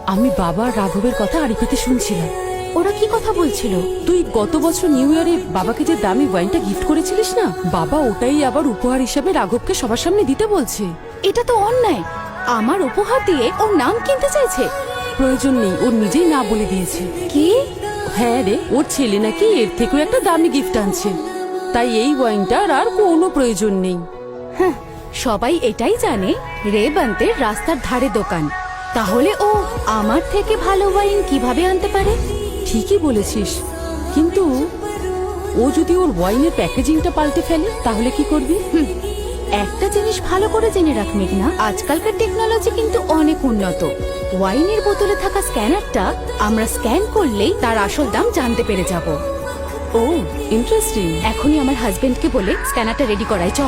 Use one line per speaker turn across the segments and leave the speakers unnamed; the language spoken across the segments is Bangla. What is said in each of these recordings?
আমি বাবা আর রাঘবের কথা আড়িপেতে শুনছিলাম।
ওরা কি কথা বলছিল?
তুই গত বছর নিউ ইয়ারে বাবাকে যে দামি ওয়াইনটা গিফট করেছিলিস না, বাবা ওটাই আবার উপহার হিসাবে রাঘবকে সবার সামনে দিতে বলছে।
এটা তো অন্যায়। আমার উপহার দিয়ে ওর নাম কিনতে চাইছে।
প্রয়োজন নেই, ওর নিজেই না বলে দিয়েছে।
কি?
হ্যাঁ রে, ওর ছেলে নাকি এর থেকেও একটা দামি গিফট আনছে, তাই এই ওয়াইনটার আর কোনো প্রয়োজন নেই।
হ্যাঁ, সবাই এটাই জানে রেবন্তের রাস্তার ধারে দোকান। তাহলে ও আমার থেকে ভালো ওয়াইন কিভাবে আনতে পারে?
ঠিকই বলেছিস, কিন্তু ও যদি ওর ওয়াইনের প্যাকেজিংটা পাল্টে ফেলে তাহলে কি করবি?
একটা জিনিস ভালো করে জেনে রাখ মেঘনা, আজকালকার টেকনোলজি কিন্তু অনেক উন্নত। ওয়াইনের বোতলে থাকা স্ক্যানারটা আমরা স্ক্যান করলেই তার আসল দাম জানতে পেরে যাব।
ও ইন্টারেস্টিং।
এখনই আমার হাজবেন্ডকে বলে স্ক্যানারটা রেডি করাই, চল।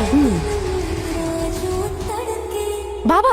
বাবা,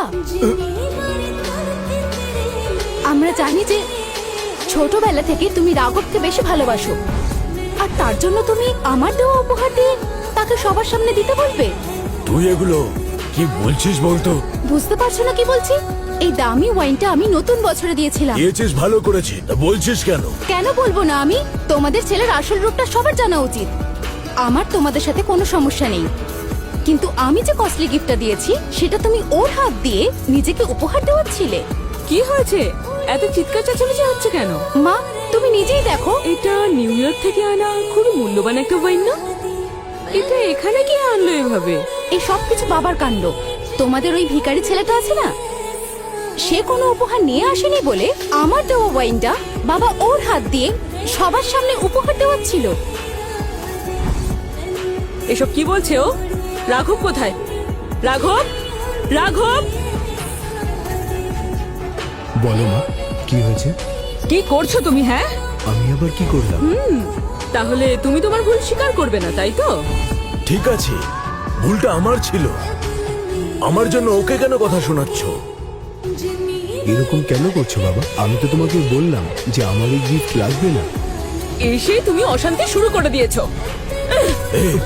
আমরা জানি যে ছোটবেলা থেকে তুমি রাঘবকে বেশি ভালোবাসো, আর তার জন্য তুমি আমার দেওয়া উপহার দিয়ে তাকে সবার সামনে দিতে বলবে?
তুই এগুলো কি বলছিস বলতো?
বুঝতে পারছো না কি বলছি? এই দামি ওয়াইনটা আমি নতুন বছরে দিয়েছিলাম।
দিয়েছিস ভালো করেছি, তা বলছিস কেন?
কেন বলবো না আমি? তোমাদের ছেলের আসল রূপটা সবার জানা উচিত। আমার তোমাদের সাথে কোনো সমস্যা নেই, কিন্তু আমি যে কস্টলি গিফটটা দিয়েছি সেটা তুমি ওর হাত দিয়ে নিজেকে উপহার দেওয়াচ্ছিলে।
কি হয়েছে? এত চিৎকার চেঁচামেচি হচ্ছে কেন?
মা, তুমি নিজেই দেখো।
এটা নিউ ইয়র্ক থেকে আনা খুবই মূল্যবান একটা ওয়াইন না? এটা এখানে কি আনলো এভাবে?
এই সব কিছু বাবার কাণ্ড। তোমাদের ওই ভিখারি ছেলেটা আছে না, সে কোনো উপহার নিয়ে আসেনি বলে আমার দেওয়া ওয়াইনটা বাবা ওর হাত দিয়ে সবার সামনে উপহার দেওয়াচ্ছিল।
এসব কি বলছে ও? রাঘব কোথায়? রাঘব, রাঘব!
বলো মা, কি হয়েছে?
কি করছো তুমি? হ্যাঁ,
আমি আবার কি করলাম?
তাহলে তুমি তোমার ভুল স্বীকার করবে না, তাই তো?
ঠিক আছে, ভুলটা আমার ছিল। আমার জন্য ওকে কেন কথা শোনাচ্ছ?
এরকম কেন করছো বাবা? আমি তো তোমাকে বললাম যে আমার এই গিফট লাগবে না।
এসে তুমি অশান্তি শুরু করে দিয়েছো।
এই,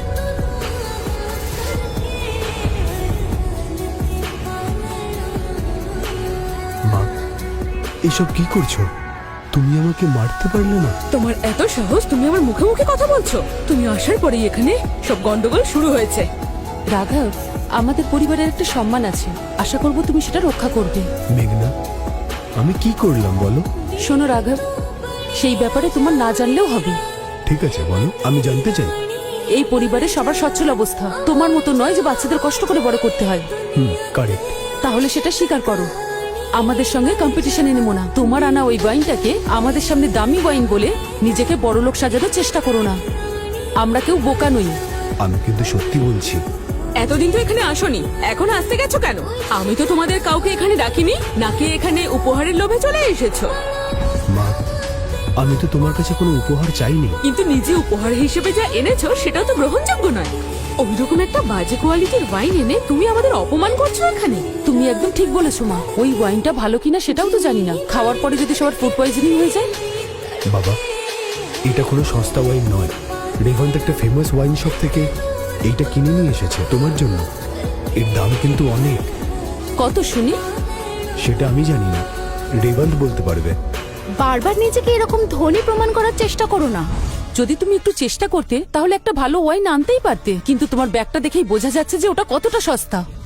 মা, এসব কি করছো? তুমি আমাকে মারতে পারলে না?
তোমার এত সাহস, তুমি আমার মুখে মুখে কথা বলছো? তুমি আসার পরেই এখানে সব গন্ডগোল শুরু হয়েছে। রাঘব, আমাদের পরিবারের একটা সম্মান আছে, আশা করব তুমি সেটা রক্ষা করবে।
মেঘনা, আমি কি করলাম বলো?
শোনো রাঘব, সেই ব্যাপারে তোমার না জানলেও হবে।
ঠিক আছে বলো, আমি জানতে চাই।
এই পরিবারে সবার সচ্ছল অবস্থা, তোমার মতো নয় যে বাচ্চাদের কষ্ট করে বড় করতে হয়।
কারেক্ট।
তাহলে সেটা স্বীকার করো। আমাদের সঙ্গে কম্পিটিশনে নেমো না। তোমার আনা ওই ওয়াইনটাকে আমাদের সামনে দামি ওয়াইন বলে নিজেকে বড়লোক সাজানোর চেষ্টা করো না। আমরা কেউ বোকা নই।
আমি কিন্তু সত্যি বলছি।
এতদিন তো এখানে আসোনি, এখন আসতে গেছো কেন? আমি তো তোমাদের কাউকে এখানে ডাকিনি, নাকি এখানে উপহারের লোভে চলে এসেছো?
মা, আমি তো তোমার কাছে কোনো উপহার চাইনি।
কিন্তু নিজে উপহার হিসেবে যা এনেছো সেটাও তো গ্রহণযোগ্য নয়। ওইরকম একটা বাজে কোয়ালিটির ওয়াইন এনে তুমি আমাদের অপমান করছো এখানে। তুমি একদম ঠিক বলেছো মা, ওই ওয়াইনটা ভালো কিনা সেটাও তো জানি না। খাওয়ার পরে যদি সবার ফুড পয়জনিং হয়ে যায়?
বাবা, এটা কোনো সস্তা ওয়াইন নয়। রেভান্ট একটা ফেমাস ওয়াইন শপ থেকে এইটা কিনে নিয়ে এসেছে তোমার জন্য। এর দাম কিন্তু অনেক।
কত শুনি?
সেটা আমি জানি না, রেভান্ট বলতে পারবে।
বারবার নিজেকে এরকম ধনী প্রমাণ করার চেষ্টা করো না।
যদি তুমি একটু চেষ্টা করতে তাহলে একটা ভালো ওয়াইন আনতেই পারতে, কিন্তু তোমার ব্যাগটা দেখেই বোঝা যাচ্ছে যে ওটা কতটা সস্তা।